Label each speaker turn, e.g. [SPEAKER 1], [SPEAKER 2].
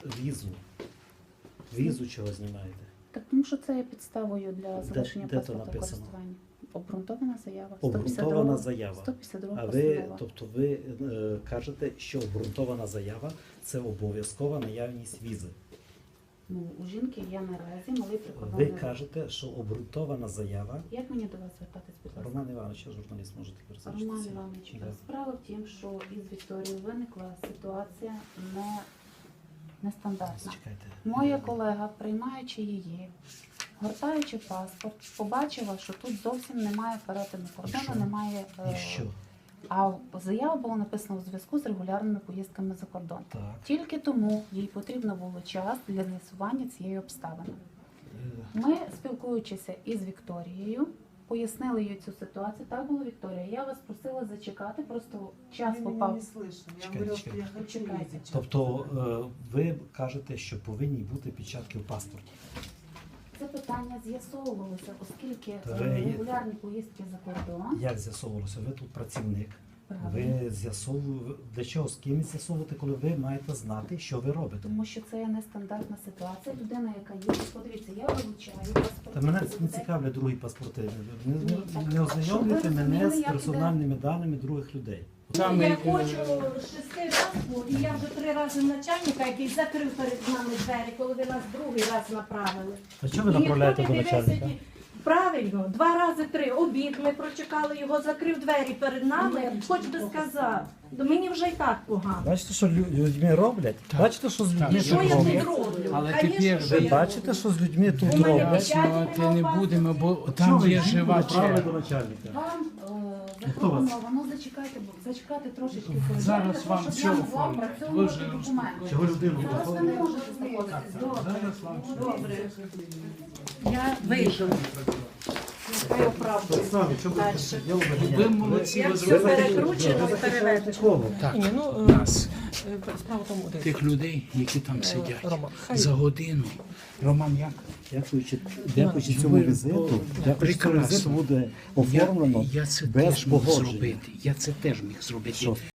[SPEAKER 1] Візу. Візу чого знімаєте?
[SPEAKER 2] Так тому що це є підставою для залишення
[SPEAKER 1] де то
[SPEAKER 2] паспорта в
[SPEAKER 1] написано?
[SPEAKER 2] користуванні. Обґрунтована заява.
[SPEAKER 1] Обґрунтована заява.
[SPEAKER 2] 152
[SPEAKER 1] А
[SPEAKER 2] постанова.
[SPEAKER 1] ви кажете, що обґрунтована заява – це обов'язкова наявність візи.
[SPEAKER 2] Ну, у жінки є наразі малий
[SPEAKER 1] Ви
[SPEAKER 2] прикордонний рух.
[SPEAKER 1] кажете, що обґрунтована заява.
[SPEAKER 2] Як мені до вас звертатись, будь ласка?
[SPEAKER 1] Роман Іванович, я журналіст, можете пересвідчитися.
[SPEAKER 2] Роман Іванович,
[SPEAKER 1] Да.
[SPEAKER 2] справа в тім, що із Вікторією виникла ситуація нестандартна.
[SPEAKER 1] Чекайте.
[SPEAKER 2] Моя колега, приймаючи її, гортаючи паспорт, побачила, що тут зовсім немає перетину кордону,
[SPEAKER 1] що?
[SPEAKER 2] немає.
[SPEAKER 1] І що?
[SPEAKER 2] А заява була написана у зв'язку з регулярними поїздками за кордон.
[SPEAKER 1] Так.
[SPEAKER 2] Тільки тому їй потрібно було час для з'ясування цієї обставини.
[SPEAKER 1] Е,
[SPEAKER 2] Ми, спілкуючися із Вікторією, пояснили їй цю ситуацію. Так було, Вікторія. Я вас просила зачекати, просто час
[SPEAKER 3] Вы
[SPEAKER 2] попав.
[SPEAKER 3] меня не слышно. Я
[SPEAKER 1] Чекайте,
[SPEAKER 3] говорю,
[SPEAKER 1] чекайте.
[SPEAKER 3] что я хочу
[SPEAKER 2] Чекайте.
[SPEAKER 3] ездить.
[SPEAKER 1] Тобто ви кажете, що повинні бути печатки в паспорті.
[SPEAKER 2] Це питання з'ясовувалося, оскільки
[SPEAKER 1] Та ви є-
[SPEAKER 2] регулярні поїздки за кордон.
[SPEAKER 1] Як з'ясовувалося? Ви тут працівник.
[SPEAKER 2] Правильно.
[SPEAKER 1] Ви з'ясовуєте, для чого з ким з'ясовувати, коли ви маєте знати, що ви робите?
[SPEAKER 2] Тому що це є нестандартна ситуація. Людина, яка є, подивіться, я вилучаю паспорт.
[SPEAKER 1] Та мене не цікавлять другі паспорти. Не ознайомлюйте
[SPEAKER 2] Щоб ви
[SPEAKER 1] мене з
[SPEAKER 2] розуміли, як
[SPEAKER 1] персональними даними других людей.
[SPEAKER 4] Я хочу 6 разів, і я вже 3 рази начальника, який закрив перед нами двері, коли ви нас другий раз направили.
[SPEAKER 1] А чого ви
[SPEAKER 4] І
[SPEAKER 1] направляєте
[SPEAKER 4] ніхто
[SPEAKER 1] до
[SPEAKER 4] не дивився,
[SPEAKER 1] начальника?
[SPEAKER 4] правильно, 2 рази 3. Обід ми прочекали його, закрив двері перед нами, хоч би сказав. До мені вже і так погано.
[SPEAKER 1] Бачите, що людьми роблять? Бачите, що з людьми
[SPEAKER 4] І що
[SPEAKER 1] тут
[SPEAKER 4] я тут
[SPEAKER 1] роблять?
[SPEAKER 4] роблю?
[SPEAKER 5] Але
[SPEAKER 4] Конечно,
[SPEAKER 5] тепер
[SPEAKER 4] що
[SPEAKER 1] Ви
[SPEAKER 4] я
[SPEAKER 1] бачите,
[SPEAKER 4] роблю.
[SPEAKER 1] що з людьми тут
[SPEAKER 4] У мене
[SPEAKER 1] роблять?
[SPEAKER 4] печать
[SPEAKER 5] Пояснювати не будемо, бо
[SPEAKER 1] Чого
[SPEAKER 5] там
[SPEAKER 1] ви
[SPEAKER 5] є
[SPEAKER 1] жінку
[SPEAKER 5] жива
[SPEAKER 1] направили
[SPEAKER 5] черга.
[SPEAKER 1] до начальника?
[SPEAKER 2] Вам
[SPEAKER 1] Хто вас?
[SPEAKER 2] запропоновано зачекати трошечки коридор,
[SPEAKER 5] Зараз
[SPEAKER 2] для того,
[SPEAKER 5] вам
[SPEAKER 2] щоб
[SPEAKER 5] все
[SPEAKER 2] я могла
[SPEAKER 5] оформлять.
[SPEAKER 2] опрацьовувати
[SPEAKER 5] Ви вже
[SPEAKER 2] документи.
[SPEAKER 1] Чого людину?
[SPEAKER 2] Зараз ви не можете знаходитись. Добре.
[SPEAKER 5] Зараз вам
[SPEAKER 4] Добре. Я вийшов. Я оправдую.
[SPEAKER 1] Самі, що ви
[SPEAKER 4] Дальше.
[SPEAKER 1] я вважаю.
[SPEAKER 5] Ви молодці,
[SPEAKER 4] Як
[SPEAKER 5] ви
[SPEAKER 4] все
[SPEAKER 5] зробили
[SPEAKER 4] перекручено і переведено.
[SPEAKER 1] Кого?
[SPEAKER 5] так.
[SPEAKER 6] Ні, ну,
[SPEAKER 5] Нас,
[SPEAKER 6] справа в тому, дивіться,
[SPEAKER 5] тих людей, які там сидять.
[SPEAKER 6] Роман, хай
[SPEAKER 5] За годину. Роман, як?
[SPEAKER 1] Дякуючи цьому візиту, дякуючи цьому
[SPEAKER 5] Прекрасно.
[SPEAKER 1] візиту буде оформлено
[SPEAKER 5] Я це
[SPEAKER 1] без
[SPEAKER 5] теж міг
[SPEAKER 1] погодження.
[SPEAKER 5] зробити. Я це теж міг зробити.
[SPEAKER 1] Що?